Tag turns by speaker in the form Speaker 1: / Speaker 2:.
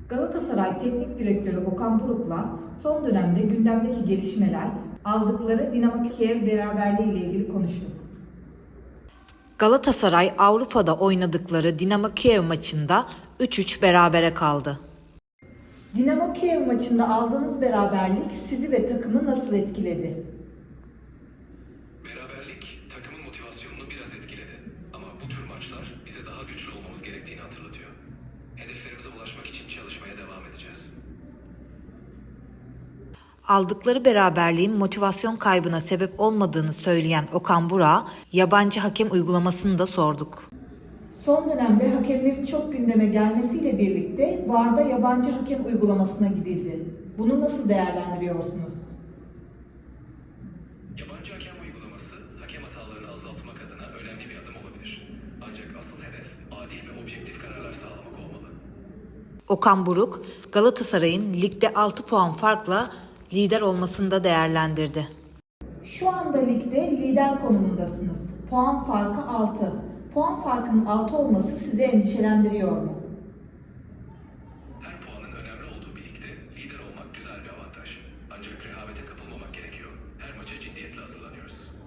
Speaker 1: Galatasaray Teknik Direktörü Okan Buruk'la son dönemde gündemdeki gelişmeler, aldıkları Dinamo Kiev beraberliği ile ilgili konuştuk.
Speaker 2: Galatasaray Avrupa'da oynadıkları Dinamo Kiev maçında 3-3 berabere kaldı.
Speaker 1: Dinamo Kiev maçında aldığınız beraberlik sizi ve takımı nasıl etkiledi?
Speaker 3: Beraberlik takımın motivasyonunu biraz etkiledi. Ama bu tür maçlar bize daha güçlü olmamız gerektiğini hatırlatıyor. Hedeflerimize ulaşmak için çalışmaya devam edeceğiz.
Speaker 2: Aldıkları beraberliğin motivasyon kaybına sebep olmadığını söyleyen Okan Burak'a yabancı hakem uygulamasını da sorduk.
Speaker 1: Son dönemde hakemlerin çok gündeme gelmesiyle birlikte VAR'da yabancı hakem uygulamasına gidildi. Bunu nasıl değerlendiriyorsunuz?
Speaker 3: Yabancı hakem uygulaması hakem hatalarını azaltmak adına önemli bir adım olabilir. Ancak asıl hedef adil ve objektif kararlar sağlamak olmalı.
Speaker 2: Okan Buruk, Galatasaray'ın ligde 6 puan farkla lider olmasını da değerlendirdi.
Speaker 1: Şu anda ligde lider konumundasınız. Puan farkı 6. Puan farkının 6 olması sizi endişelendiriyor mu?
Speaker 3: Her puanın önemli olduğu bir ligde lider olmak güzel bir avantaj. Ancak rehavete kapılmamak gerekiyor. Her maça ciddiyetle hazırlanıyoruz.